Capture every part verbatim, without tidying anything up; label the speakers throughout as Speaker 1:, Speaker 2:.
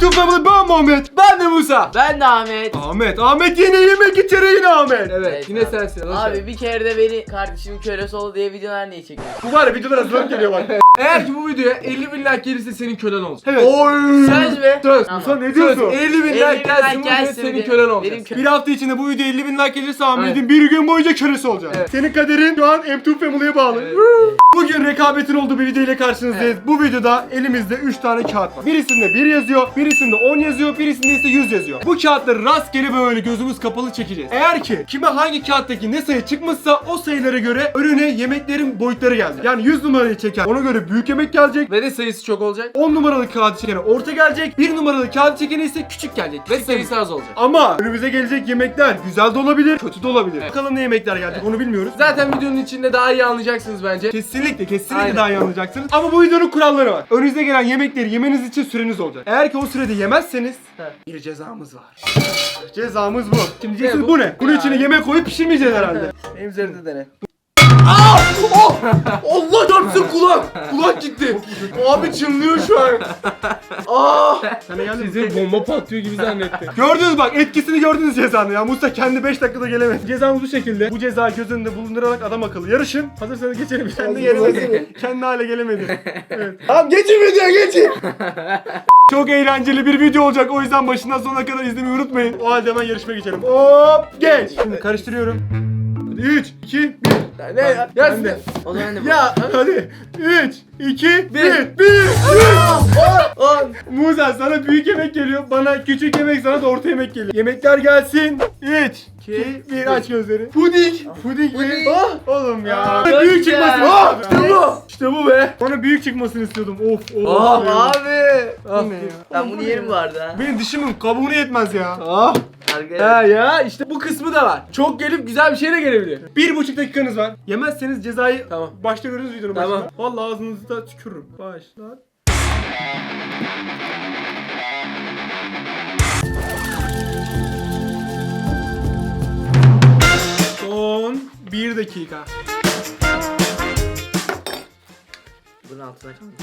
Speaker 1: Tüm Family, ben Muhammed.
Speaker 2: Ben de Musa.
Speaker 3: Ben de Ahmet.
Speaker 1: Ahmet, Ahmet yine yemek içeri yine Ahmet.
Speaker 2: Evet,
Speaker 3: Evet,
Speaker 2: yine
Speaker 3: abi.
Speaker 2: sensin. hoş
Speaker 3: Abi
Speaker 2: geldin.
Speaker 3: bir kere de beni kardeşimin kölesi ol diye videolar niye çekiyorsun?
Speaker 1: Bu var ya videolar hazırlanıp geliyor bak.
Speaker 2: Eğer ki bu videoya elli bin like gelirse senin kölen olacak.
Speaker 1: Evet.
Speaker 2: Oy.
Speaker 3: Söz mü?
Speaker 2: Söz.
Speaker 3: Tamam.
Speaker 1: Musa ne
Speaker 2: Söz.
Speaker 1: diyorsun?
Speaker 2: elli bin
Speaker 3: elli
Speaker 2: like
Speaker 3: bin
Speaker 2: gelsin
Speaker 3: like
Speaker 2: bu videoya
Speaker 3: gelsin
Speaker 2: senin
Speaker 3: diye.
Speaker 2: kölen olacak.
Speaker 3: Benim kö-
Speaker 1: Bir hafta içinde bu video elli bin like gelirse Ahmet'in
Speaker 2: Evet.
Speaker 1: bir gün boyunca kölesi olacak.
Speaker 2: Evet.
Speaker 1: Senin kaderin şu an M two Family'ye bağlı.
Speaker 2: Evet.
Speaker 1: Bugün rekabetin olduğu bir video ile karşınızdayız. Bu videoda elimizde üç tane kağıt var. Birisinde bir yazıyor, birisinde on yazıyor, birisinde ise yüz yazıyor. Bu kağıtları rastgele böyle gözümüz kapalı çekeceğiz. Eğer ki kime hangi kağıttaki ne sayı çıkmışsa o sayılara göre önüne yemeklerin boyutları geldi. Yani yüz numarayı çeken ona göre büyük yemek gelecek.
Speaker 2: Ve de sayısı çok olacak.
Speaker 1: on numaralı kağıt çekene orta gelecek. bir numaralı kağıt çekene ise küçük gelecek.
Speaker 2: Ve sayısı az olacak.
Speaker 1: Ama önümüze gelecek yemekler güzel de olabilir, kötü de olabilir.
Speaker 2: Evet.
Speaker 1: Bakalım ne yemekler gelecek onu bilmiyoruz.
Speaker 2: Zaten videonun içinde daha iyi anlayacaksınız bence.
Speaker 1: Kesinlikle kesinlikle
Speaker 2: Aynen.
Speaker 1: daha iyi anlayacaksınız. Ama bu videonun kuralları var. Önünüze gelen yemekleri yemeniz için süreniz olacak. Eğer ki o sürede yemezseniz
Speaker 2: He.
Speaker 1: bir cezamız var. Cezamız bu. Şimdi diyeceksiniz
Speaker 2: Ne
Speaker 1: bu?
Speaker 2: bu?
Speaker 1: ne? Bunun
Speaker 2: Ya.
Speaker 1: içine yemek koyup pişirmeyeceğiz herhalde.
Speaker 2: Benim üzerinde dene. Oh! Allah çarpsın kulak! Kulak gitti. Abi çınlıyor şu an. Aa!
Speaker 1: Sana geldi mi?
Speaker 2: Sizi bomba patlıyor gibi zannetti.
Speaker 1: Gördünüz bak etkisini gördünüz cezanın ya. Musa kendi beş dakikada gelemedi. Cezamız bu şekilde. Bu ceza göz önünde bulundurarak adam akıllı yarışın. Hazırsanız geçelim. Kendi
Speaker 2: Hazırım,
Speaker 1: gelemedi. Kendi hale gelemedi. Evet.
Speaker 2: Tamam geçin videoya geçin.
Speaker 1: Çok eğlenceli bir video olacak. O yüzden başından sonuna kadar izlemeyi unutmayın. O halde hemen yarışmaya geçelim. Hop geç. Şimdi karıştırıyorum. Hadi üç, iki, bir.
Speaker 2: Ne ya?
Speaker 1: Ben de.
Speaker 3: O zaman ne bu?
Speaker 2: Ya.
Speaker 1: Hadi üç, iki, bir.
Speaker 2: Bir.
Speaker 1: bir.
Speaker 2: On.
Speaker 1: Musa sana büyük yemek geliyor. Bana küçük yemek, sana da orta yemek geliyor. Yemekler gelsin. üç, iki, bir. Aç gözleri. Puding. Puding mi?
Speaker 2: Puding.
Speaker 1: Ah, oğlum ya.
Speaker 3: Aa,
Speaker 1: Bana
Speaker 3: çok
Speaker 1: büyük
Speaker 3: güzel.
Speaker 1: çıkmasını
Speaker 2: Ah,
Speaker 1: istiyordum.
Speaker 2: işte bu.
Speaker 1: İşte bu be. Bana büyük çıkmasını istiyordum. Of of.
Speaker 2: Ah
Speaker 1: of.
Speaker 2: abi. Ah.
Speaker 1: ne ya?
Speaker 3: Ben bunu yerim bu arada ha.
Speaker 1: Benim dişimin kabuğunu yetmez ya.
Speaker 2: Ah.
Speaker 3: Arkadaşlar.
Speaker 2: Ha ya işte bu kısmı da var. Çok gelip güzel bir şey de gelebilir.
Speaker 1: Bir buçuk dakikanız var. Yemezseniz cezayı
Speaker 2: Tamam.
Speaker 1: başta görürüz videonun
Speaker 2: Tamam.
Speaker 1: başında. Vallahi ağzınızda tükürürüm. Başla. Son bir dakika.
Speaker 3: Bunun altına kalmış.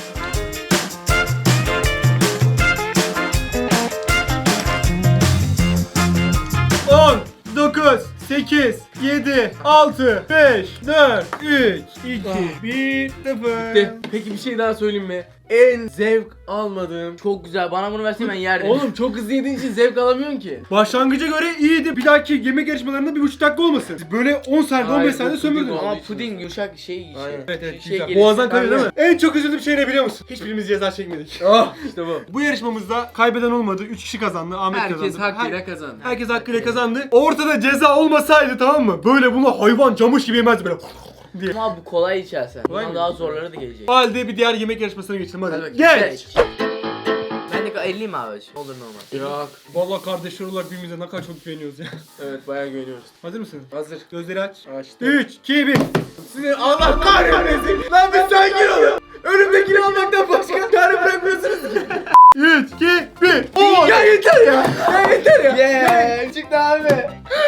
Speaker 1: on, dokuz, sekiz, yedi, altı, beş, dört, üç, iki, bir, sıfır.
Speaker 2: De, peki bir şey daha söyleyeyim mi? En zevk almadığım.
Speaker 3: Çok güzel. Bana bunu versen ben yerdim.
Speaker 2: Oğlum çok hızlı yediğin için zevk alamıyorsun ki.
Speaker 1: Başlangıca göre iyiydi. Bir dahaki yemek yarışmalarında bir buçuk dakika olmasın. Böyle on saniye, on
Speaker 2: Hayır,
Speaker 1: beş saniye
Speaker 2: bu puding
Speaker 1: sömürdün.
Speaker 2: oldu.
Speaker 3: Ama puding yumuşak şey.
Speaker 2: Aynen.
Speaker 1: Evet evet
Speaker 3: Şey
Speaker 1: güzel.
Speaker 3: gelirse-
Speaker 1: Boğazdan kayıyor değil mi?
Speaker 2: Aynen.
Speaker 1: En çok üzüldüğüm şey ne biliyor musun? Hiçbirimiz ceza çekmedik.
Speaker 2: Ah işte bu.
Speaker 1: Bu yarışmamızda kaybeden olmadı. üç kişi kazandı. Ahmet
Speaker 2: Herkes
Speaker 1: kazandı.
Speaker 2: hakkıyla
Speaker 1: Her-
Speaker 2: kazandı.
Speaker 1: Herkes hakkıyla kazandı. Ortada ceza olmasaydı tamam mı? Böyle bunu hayvan camış gibi yemezdi böyle diye.
Speaker 3: Ama bu kolay içersen.
Speaker 1: Kolay
Speaker 3: Bundan
Speaker 1: mı?
Speaker 3: daha zorları da gelecek.
Speaker 1: O halde bir diğer yemek yarışmasına geçelim hadi.
Speaker 2: Hadi bakayım.
Speaker 1: Geç.
Speaker 3: Ben de elliyim abi. Olur normal.
Speaker 2: Yok.
Speaker 1: Vallahi kardeşler olarak birbirimize ne kadar çok güveniyoruz ya.
Speaker 2: Evet bayağı güveniyoruz.
Speaker 1: Hazır mısın?
Speaker 2: Hazır.
Speaker 1: Gözleri aç.
Speaker 2: Açtım.
Speaker 1: üç, iki, bir.
Speaker 2: Sizi Allah kahretmesin. Lan bir sakin olun. Önümdekini almaktan başka çare bırakmıyorsunuz ki.
Speaker 1: üç, iki, bir. on.
Speaker 2: Ya yeter ya. Ya yeter ya.
Speaker 3: Yeah. Çıktı abi.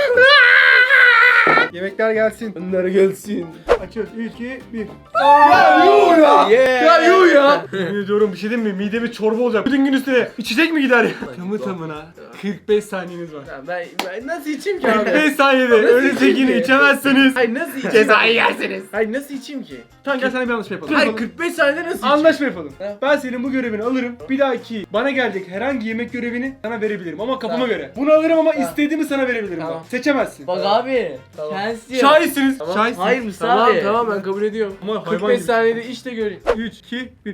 Speaker 1: Yemekler gelsin.
Speaker 2: Bunlar gelsin.
Speaker 1: Açıyoruz. üç, iki, bir.
Speaker 2: Ya yuh ya.
Speaker 3: Yeah.
Speaker 2: Ya yuh ya.
Speaker 1: Yemin ediyorum bir şey diyeyim mi? Mideme çorba olacak. Bütün gün üstüne içecek mi gider ya? Tamı tamına kırk beş saniyeniz var.
Speaker 2: Ya ben, ben nasıl içeyim ki abi?
Speaker 1: kırk beş saniyede
Speaker 2: Nasıl
Speaker 1: önünüzdekini
Speaker 2: içeyim ki?
Speaker 1: içemezseniz
Speaker 2: Hayır nasıl içeyim?
Speaker 1: cezayı yersiniz.
Speaker 2: Hayır nasıl içeyim ki?
Speaker 1: Tamam gel sana bir anlaşma yapalım.
Speaker 2: Hayır kırk beş saniyede nasıl içeyim?
Speaker 1: Anlaşma yapalım.
Speaker 2: He.
Speaker 1: Ben senin bu görevini alırım. Bir dahaki bana gelecek herhangi yemek görevini sana verebilirim ama kafama
Speaker 2: Tamam.
Speaker 1: göre. Bunu alırım ama
Speaker 2: Tamam.
Speaker 1: istediğimi sana verebilirim.
Speaker 2: Tamam.
Speaker 1: Bak. Seçemezsin.
Speaker 3: Bak abi.
Speaker 2: Tamam.
Speaker 3: Şans yok.
Speaker 1: Şahitsiniz.
Speaker 2: Tamam.
Speaker 1: Şahitsiniz.
Speaker 3: Hayır Musa
Speaker 2: Tamam
Speaker 3: abi.
Speaker 2: tamam ben kabul ediyorum.
Speaker 1: Ama
Speaker 2: kırk
Speaker 1: hayvan
Speaker 2: beş
Speaker 1: gibi.
Speaker 2: saniyede iç de göreyim.
Speaker 1: üç, iki, bir.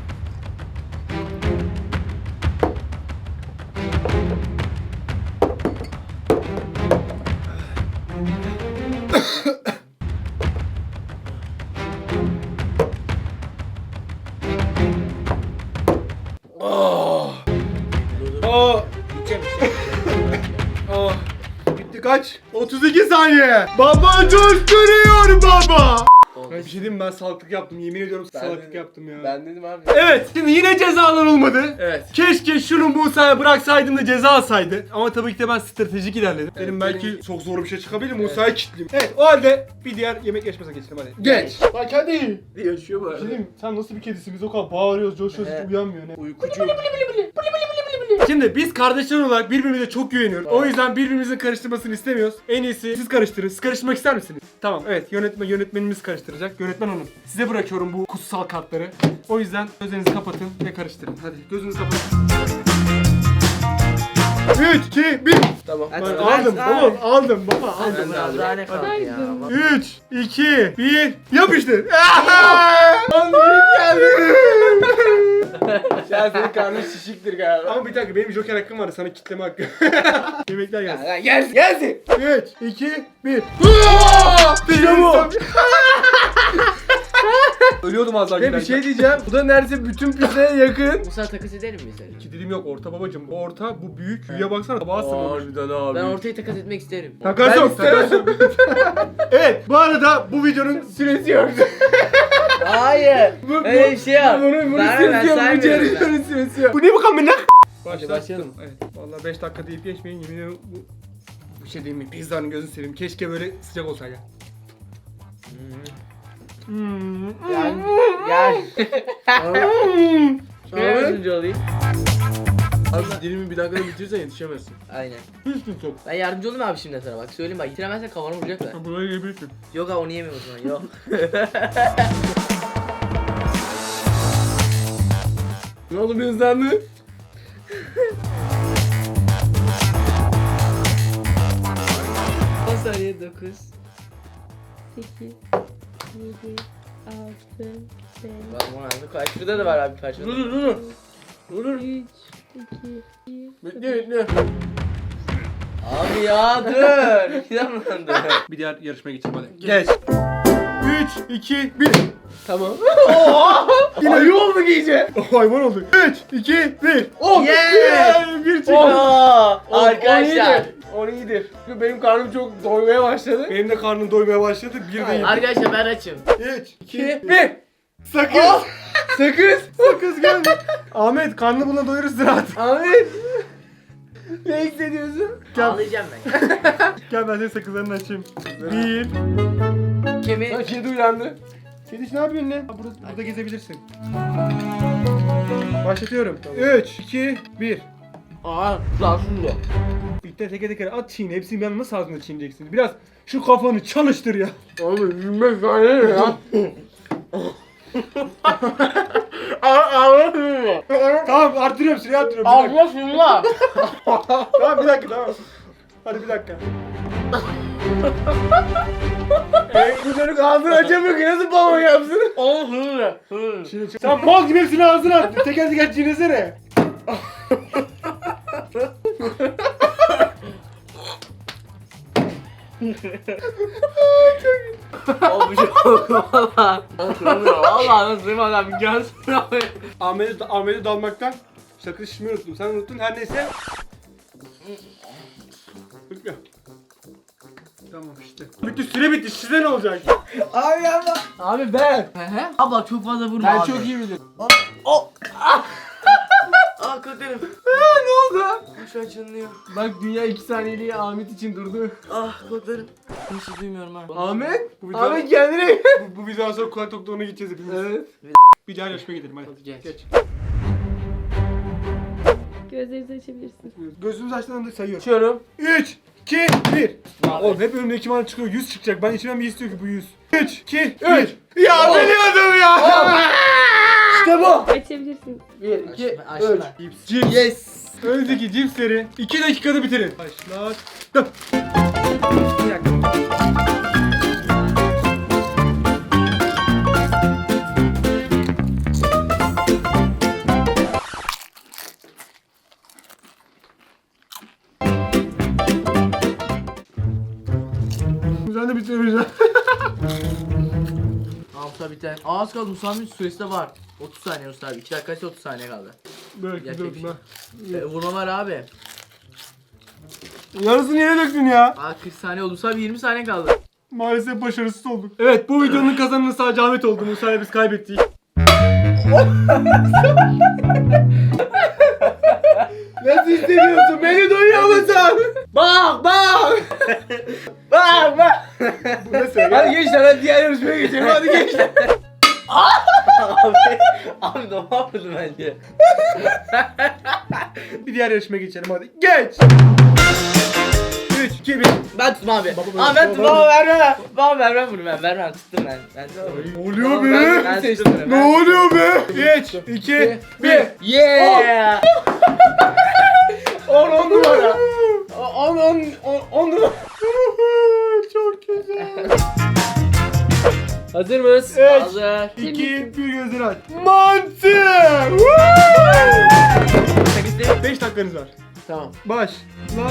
Speaker 1: Aa. Aa. Bitti kaç? otuz iki saniye. Baba coşturuyor baba. Ben bir şey diyeyim mi? Ben salaklık yaptım. Yemin ediyorum
Speaker 2: Ben
Speaker 1: salaklık
Speaker 2: dedim.
Speaker 1: yaptım ya.
Speaker 2: Ben dedim abi.
Speaker 1: Evet. Şimdi yine cezalar olmadı.
Speaker 2: Evet.
Speaker 1: Keşke şunu Musa'ya bıraksaydım da ceza alsaydı. Ama tabii ki de ben stratejik ilerledim.
Speaker 2: Evet,
Speaker 1: Dedim belki
Speaker 2: benim-
Speaker 1: çok zor bir şey çıkabilir. Musa'ya kilitleyeyim. Evet o halde bir diğer yemek yarışmasına geçelim hadi.
Speaker 2: Geç.
Speaker 1: Bak hadi.
Speaker 2: Yaşıyor bu
Speaker 1: Bir şey
Speaker 2: arada.
Speaker 1: diyeyim mi? Sen nasıl bir kedisin? Biz o kadar bağırıyoruz, coşuyoruz,
Speaker 2: He.
Speaker 1: hiç uyanmıyor ne?
Speaker 2: Uykucu.
Speaker 1: Şimdi biz kardeşler olarak birbirimize çok güveniyoruz. O yüzden birbirimizin karıştırmasını istemiyoruz. En iyisi siz karıştırın. Siz karıştırmak ister misiniz? Tamam, evet. Yönetmen yönetmenimiz karıştıracak. Yönetmen hanım. Size bırakıyorum bu kutsal kartları. O yüzden gözlerinizi kapatın ve karıştırın. Hadi gözünüzü kapatın. üç, iki, bir.
Speaker 2: Tamam.
Speaker 3: Hadi.
Speaker 1: Ben
Speaker 3: Ben-
Speaker 1: aldım
Speaker 3: ben-
Speaker 1: baba, aldım baba, aldım.
Speaker 3: Aldım biraz daha ne kaldı ya?
Speaker 4: Saydım.
Speaker 1: üç, iki, bir. Yapıştır.
Speaker 2: Lan büyük geldi. Şu an senin karnın şişiktir galiba.
Speaker 1: Ama bir dakika, benim joker hakkım vardı, sana kitleme hakkı. Yemekler gelsin.
Speaker 2: Lan gelsin gelsin.
Speaker 1: üç, iki, bir.
Speaker 2: İşte bu. Ölüyordum az daha. Ve bir şey diyeceğim. Bu da neredeyse bütün pizzaya yakın.
Speaker 3: Musa takas edelim mi seni?
Speaker 1: İki dilim yok, orta babacım. Bu orta, bu büyük. Büyüye baksana, tabağa sığmamış.
Speaker 2: Harbiden abi.
Speaker 3: Ben ortayı takas etmek isterim.
Speaker 1: Takas
Speaker 2: Ben
Speaker 1: yok,
Speaker 2: istemem.
Speaker 1: takas yok. Evet, bu arada bu videonun
Speaker 2: Süresi yok.
Speaker 3: Hayır.
Speaker 2: Bu-
Speaker 3: Öyle bir şey yok.
Speaker 2: Bunun bunun
Speaker 3: Ben-
Speaker 2: süresi
Speaker 3: ben
Speaker 2: yok. Bu
Speaker 3: saymıyorum
Speaker 2: ceryanın süresi yok.
Speaker 1: Bu ne bu kamera?
Speaker 2: Hadi başlayalım.
Speaker 1: Evet, vallahi beş dakika deyip geçmeyin, yemin ediyorum bu... Bir şey diyeyim mi? Pizzanın gözünü seveyim. Keşke böyle sıcak olsaydı. Hmm.
Speaker 3: Gel. Gel.
Speaker 1: Hmm.
Speaker 3: Şöyle yardımcı olayım.
Speaker 2: Abi şu dilimi bir dakikada bitirirsen yetişemezsin.
Speaker 3: Aynen.
Speaker 1: Hiç çok.
Speaker 3: Ben yardımcı olayım abi şimdi sana bak. Söyleyeyim bak. Yitiremezsen kafana vuracaklar.
Speaker 1: Burayı yiyebilirsin.
Speaker 3: Yok abi onu yemiyorum o zaman. Yok.
Speaker 2: Ne oldu bir hızlandı?
Speaker 3: on saniye dokuz.
Speaker 4: sekiz, yedi, altı, beş,
Speaker 3: Bak bu arada kaç şurada da var abi kaç
Speaker 2: Dur dur dur. Dur dur.
Speaker 4: üç, iki, bir.
Speaker 2: Bekle bekle.
Speaker 3: Abi ya dur. İnanmadım.
Speaker 1: Bir diğer yarışmaya geçelim hadi. Geç. üç, iki, bir.
Speaker 2: Tamam. Yine ayı oldu iyice.
Speaker 1: Oh, hayvan oldu. üç, iki, bir.
Speaker 2: Oh.
Speaker 3: Yeah.
Speaker 1: Bir çıktı.
Speaker 3: Oo,
Speaker 2: O-
Speaker 3: arkadaşlar.
Speaker 2: O iyidir. Çünkü benim karnım çok doymaya başladı.
Speaker 1: Benim de karnım doymaya başladı. Bir de yedim.
Speaker 3: Arkadaşlar ben açım.
Speaker 1: üç, iki,
Speaker 2: İki,
Speaker 1: bir.
Speaker 2: bir.
Speaker 1: Sakız.
Speaker 2: Oh. Sakız.
Speaker 1: Sakız geldi. Ahmet, karnını buna doyurursun artık.
Speaker 2: Ahmet. Ne hissediyorsun?
Speaker 1: Gel.
Speaker 3: Ağlayacağım ben.
Speaker 1: Gel ben senin sakızlarını açayım. Bir.
Speaker 3: Kemi.
Speaker 2: Lan kedi uyandı.
Speaker 1: Kediş ne yapıyorsun lan? Burada, burada gezebilirsin. Başlatıyorum. üç, iki, bir.
Speaker 3: Aa, lan şunu.
Speaker 1: İlkten teker teker at çiğne. Hepsini bir anda nasıl ağzına çiğneyeceksin? Biraz şu kafanı çalıştır ya.
Speaker 2: Abi yirmi beş saniye ne ya?
Speaker 1: Tamam, artırıyorum, süreyi artırıyorum. Bir dakika.
Speaker 3: Allah şunu.
Speaker 1: Tamam, bir dakika, tamam. Hadi bir dakika.
Speaker 2: Ey, bu çocuk ağzını açamıyor ki nasıl balon yapsın?
Speaker 3: Allah şunu.
Speaker 1: Şimdi çık- sen mal gibi hepsini ağzına at. Teker teker çiğnesene.
Speaker 3: O bir şey yok valla. Valla nasıl duymadım abi görsün abi.
Speaker 1: Ahmet'i, Ahmet'i dalmaktan sakız şişmeyi unuttum. Sen unuttun, her neyse. Bitti. Tamam işte. Bitti, süre bitti. Size ne olacak?
Speaker 2: Abi yapma. Abi ben.
Speaker 3: Abi bak çok fazla vurma
Speaker 2: Ben
Speaker 3: abi.
Speaker 2: çok iyi bilirim.
Speaker 3: Aa kötüyüm.
Speaker 2: Ne oldu?
Speaker 3: Şu an çınlıyor.
Speaker 2: Bak dünya iki saniyeliğine Ahmet için durdu.
Speaker 3: Ah kulaklarım. Hiç duymuyorum ha.
Speaker 2: Ahmet?
Speaker 1: Bu video-
Speaker 2: Ahmet kendine gel.
Speaker 1: Bu, bu videodan sonra kulak doktoruna gideceğiz hepimiz.
Speaker 2: Evet.
Speaker 1: Bir diğer yarışmaya gidelim hadi.
Speaker 3: Hadi geç.
Speaker 1: Geç.
Speaker 4: Gözlerinizi açabilirsiniz.
Speaker 1: Gözümüz açtığında sayıyorum.
Speaker 2: Açıyorum.
Speaker 1: üç, iki, bir. Ya oğlum hep önümde iki bana çıkıyor. yüz çıkacak. Ben içimden bir istiyor ki bu yüz. üç, iki, bir. Ya biliyordum ya.
Speaker 2: İşte bu.
Speaker 4: Açabilirsiniz.
Speaker 2: Bir, iki,
Speaker 3: Ben açtım
Speaker 2: üç.
Speaker 3: ben.
Speaker 1: Cips. Cips.
Speaker 2: Yes.
Speaker 1: Öndeki cipsleri iki dakikada bitirin. Başlattım. Bir dakika. Sen de bitiremeyeceksin.
Speaker 3: Musa biter. Aa az kaldı Musa'nın süresi de var. otuz saniye Musa abi. iki dakikaysa otuz saniye kaldı.
Speaker 1: Böyle
Speaker 3: Gerçek
Speaker 1: döktüm
Speaker 3: bir şey.
Speaker 1: ha.
Speaker 3: E, vurma var abi.
Speaker 1: Yarısını yere döktün ya.
Speaker 3: Aa kırk saniye oldu. Musa abi yirmi saniye kaldı.
Speaker 1: Maalesef başarısız olduk. Evet, bu videonun kazananı sadece Ahmet oldu. Musa'yla biz kaybettik.
Speaker 2: Nasıl hissediyorsun? Beni duyuyor musun? Bak bak. Bak bak.
Speaker 1: Bu ne söyle?
Speaker 2: Hadi gençler hadi diğer yarışmaya geçelim. Hadi gençler.
Speaker 3: abi, abi ne yapıyorsun bence?
Speaker 1: Bir diğer yarışmaya geçelim hadi. Geç. üç, iki, bir.
Speaker 3: Ben tuttum abi.
Speaker 1: Baba,
Speaker 3: Aa ben
Speaker 1: baba,
Speaker 3: tuttum.
Speaker 1: baba.
Speaker 3: Baba vermem. Baba vermem bunu ben. Vermem tuttum ben. Ben tuttum.
Speaker 1: Ne oluyor
Speaker 3: Baba,
Speaker 1: be?
Speaker 3: ben- ben tuttum bunu,
Speaker 1: Ne
Speaker 3: ben-
Speaker 1: oluyor be? üç, iki, bir.
Speaker 3: Yeah.
Speaker 2: on on numara. on on on on numara.
Speaker 1: Çok güzel.
Speaker 3: Hazır mıyız?
Speaker 1: Evet.
Speaker 3: Hazır.
Speaker 1: iki, bir gözleri aç. Mantı. beş dakikanız var.
Speaker 2: Tamam.
Speaker 1: Baş. Lan.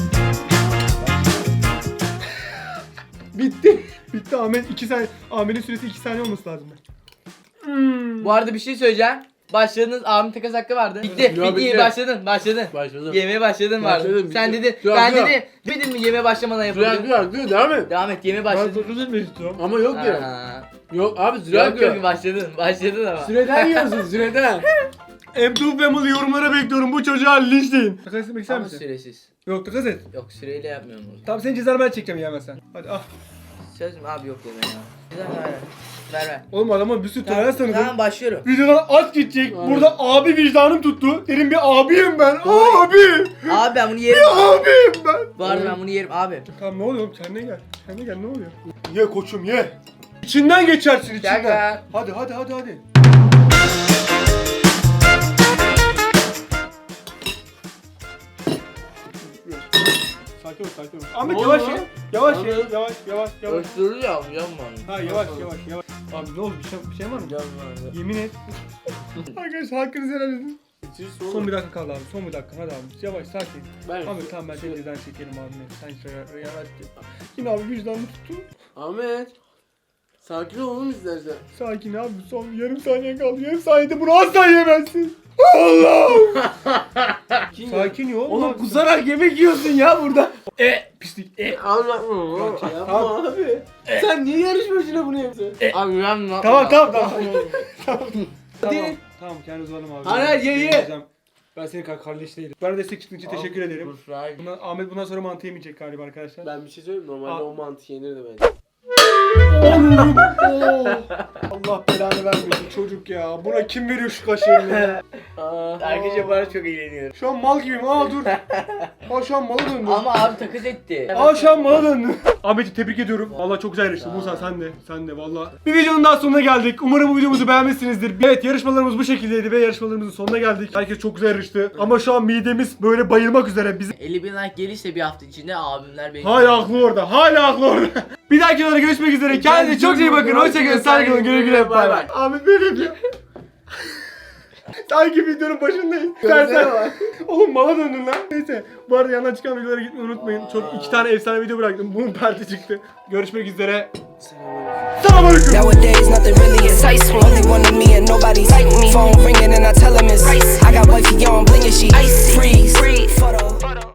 Speaker 2: Bitti.
Speaker 1: Bitti Ahmet iki saniye. Ahmet'in süresi iki saniye olması lazım. Hmm.
Speaker 3: Bu arada bir şey söyleyeceğim. Başladınız abim takas hakkı vardı. Bitti.
Speaker 2: Ya,
Speaker 3: bitti.
Speaker 2: bitti.
Speaker 3: Başladın. Başladın.
Speaker 2: Başladım.
Speaker 3: Yemeye başladın vardı.
Speaker 2: Başladım,
Speaker 3: Sen
Speaker 2: bitti.
Speaker 3: dedin.
Speaker 2: Dur,
Speaker 3: ben
Speaker 2: dur.
Speaker 3: dedim. Dedin mi yemeye başlamadan
Speaker 2: Zülal
Speaker 3: yapalım.
Speaker 2: diyor, diyor devam et.
Speaker 3: Devam et yemeye
Speaker 1: Ben
Speaker 3: başladın.
Speaker 1: dokuz etmek istiyorum.
Speaker 2: Ama yok ya.
Speaker 3: Aa.
Speaker 2: Yok abi Zülal
Speaker 3: Yok
Speaker 2: diyor.
Speaker 3: yok başladın. Başladın ama.
Speaker 2: Süreden yiyorsun süreden.
Speaker 1: M two Family yorumlara bekliyorum. Bu çocuğa linçleyin. Takas etmek ister
Speaker 3: Ama
Speaker 1: misin?
Speaker 3: süresiz.
Speaker 1: Yok takas et.
Speaker 3: Yok süreyle yapmıyorum bunu.
Speaker 1: Tamam senin cezanı ben çekeceğim yemezsen. Hadi ah.
Speaker 3: Söz mü abi yok yeme ya. Güzel ver ver. Ver ver.
Speaker 1: Oğlum adama bir sürü
Speaker 3: Tamam,
Speaker 1: tolerans tanıdım.
Speaker 3: tamam başlıyorum.
Speaker 1: Videodan aç gidecek.
Speaker 2: Aynen.
Speaker 1: Burada abi vicdanım tuttu. Dedim bir abiyim ben. Abi.
Speaker 3: Abi ben bunu yerim.
Speaker 1: Abiyim ben.
Speaker 3: Bu arada ben bunu yerim abi.
Speaker 1: Tamam ne oluyor oğlum? Kendine gel. Kendine gel ne oluyor? Ye koçum ye. İçinden geçersin içinden.
Speaker 3: Gel.
Speaker 1: Hadi hadi hadi hadi. Sakin ol sakin ol. Ahmet
Speaker 2: Ne
Speaker 1: yavaş
Speaker 2: oldu
Speaker 1: ye.
Speaker 2: lan?
Speaker 1: Yavaş ye.
Speaker 2: Ahmet.
Speaker 1: Yavaş yavaş yavaş.
Speaker 3: Öksürüyor yapma.
Speaker 1: Ha yavaş yavaş yavaş. Abi ne oldu bir şey, bir şey var mı? Yemin et. Arkadaşlar hakkınızı helal edin. Son bir dakika kaldı abi. Son bir dakika hadi abi. Yavaş sakin.
Speaker 2: Ben
Speaker 1: Ahmet tamam ben seni cezanı çekelim abi. Sen şöyle yavaş. Yine abi vicdanını tuttu.
Speaker 2: Ahmet. Sakin ol oğlum istersen.
Speaker 1: Sakin abi son yarım saniye kaldı. Yarım saniyede bunu asla yemezsin. Allah'ım. Sakin ol.
Speaker 2: Oğlum kusarak yemek yiyorsun ya burada.
Speaker 1: E pislik. E.
Speaker 2: Anlatma. Yapma
Speaker 1: Tamam.
Speaker 2: abi. Sen niye yarışmacına bunu yapıyorsun?
Speaker 3: Abi ben ne
Speaker 1: Tamam tamam tamam. tamam.
Speaker 2: Hadi.
Speaker 1: Tamam kendi uzanım abi.
Speaker 2: Hadi, hadi, ye, ye.
Speaker 1: Ben senin kadar kardeş değilim. Bana destek çıktığın için teşekkür ederim.
Speaker 3: Kusura
Speaker 1: Bundan, Ahmet bundan sonra mantı yemeyecek galiba arkadaşlar.
Speaker 2: Ben bir şey söyleyeyim mi? Normalde
Speaker 1: Aa.
Speaker 2: o mantı yenirdi bence.
Speaker 1: Oğlum. Oo. Allah belanı vermesin çocuk ya. Buna kim veriyor şu kaşığını?
Speaker 3: Arkadaşlar bana çok eğleniyorum.
Speaker 1: Şu an mal gibiyim. Aa dur. Aa şu an mala döndüm.
Speaker 3: Ama abi takas etti.
Speaker 1: Aa şu an mala döndüm. Ahmet'i tebrik ediyorum. Valla çok güzel yarıştın. Musa sen de. Sen de valla. Bir videonun daha sonuna geldik. Umarım bu videomuzu beğenmişsinizdir. Evet yarışmalarımız bu şekildeydi ve yarışmalarımızın sonuna geldik. Herkes çok güzel yarıştı. Ama şu an midemiz böyle bayılmak üzere. Biz
Speaker 3: elli bin like gelirse bir hafta içinde abimler beni...
Speaker 1: hala haklı orada. Hala haklı orada. Bir dahaki videoda görüşmek üzere. Kendinize çok iyi bakın. Hoşçakalın. Saygılar. Güle güle. Bay bay. Ahmet böyle yapıyor. Sanki videonun başındayız. Sen sen. Oğlum mala döndün lan. Neyse. Bu arada yandan çıkan videolara gitmeyi unutmayın. Çok iki tane efsane video bıraktım. Bunun perti çıktı. Görüşmek üzere. Selamünaleyküm.
Speaker 5: Nowadays, nothing really excites me. Only one of me and nobody's like me. Phone ringing and I tell him it's I got wifey on bling and she freeze.